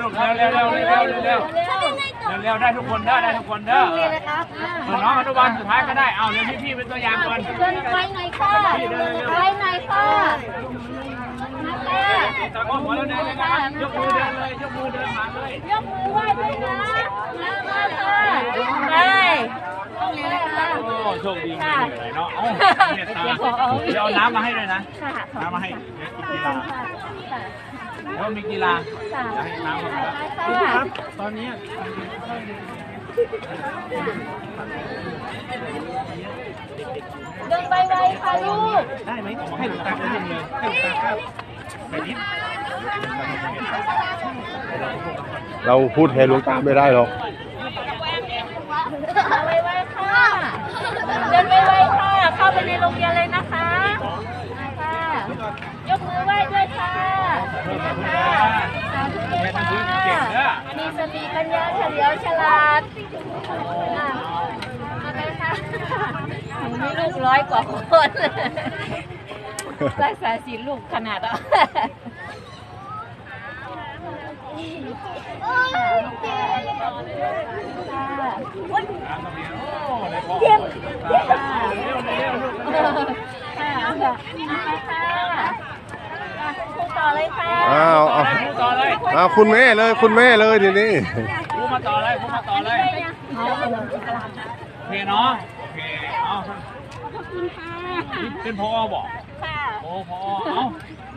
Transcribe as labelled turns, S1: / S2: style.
S1: ลูกเร็วเร็วเร็วเร็วเร็วเร็วได้ทุกคนได้ทุกคนเด้อน้องอนุบาลสุดท้ายก็ได้เอาเร็วพี่เป็นตัวอย่างก่อน
S2: เดินไปหน่อยค่ะไปหน่อยค่ะ
S1: ตะโกนหัวเราเดินเลยนะครับยกมือเดินเลยยกมือเดินมาเลย
S2: ยกมือไหว้ด้วยนะมาค่ะไป
S1: โอ้โชคดีเลยเนาะเดี๋ยวเอาน้ำมาให้เลยนะน้ำมาให้กินกีฬาแล้วมีกีฬาจะให้น้ำครับตอนนี้
S2: เดินไปไวค่ะลูก
S1: ได้ไหมให้หลวงตาเดินเลยให้หลวงตาครับไปนิด
S3: เราพูดแทนหลวงตาไม่ได้หรอก
S2: ไวๆค่ะเดินไวๆค่ะเข้าไปในโรงเรียนเลยนะคะค่ะยกมือไหว้ด้วยค่ะมีสติปัญญาเฉลียวฉลาดมาเลยค่ะหนูมีลูก100 กว่าคนรักษาศีลลูกขนาดอ่ะเยี่ยมต่อเลยค่ะ
S3: เอาคุณแม่เลยทีนี้
S1: พูดมาต่อเลยเพเนาะเพเอาเป็นพอบอกโอ้พอเอา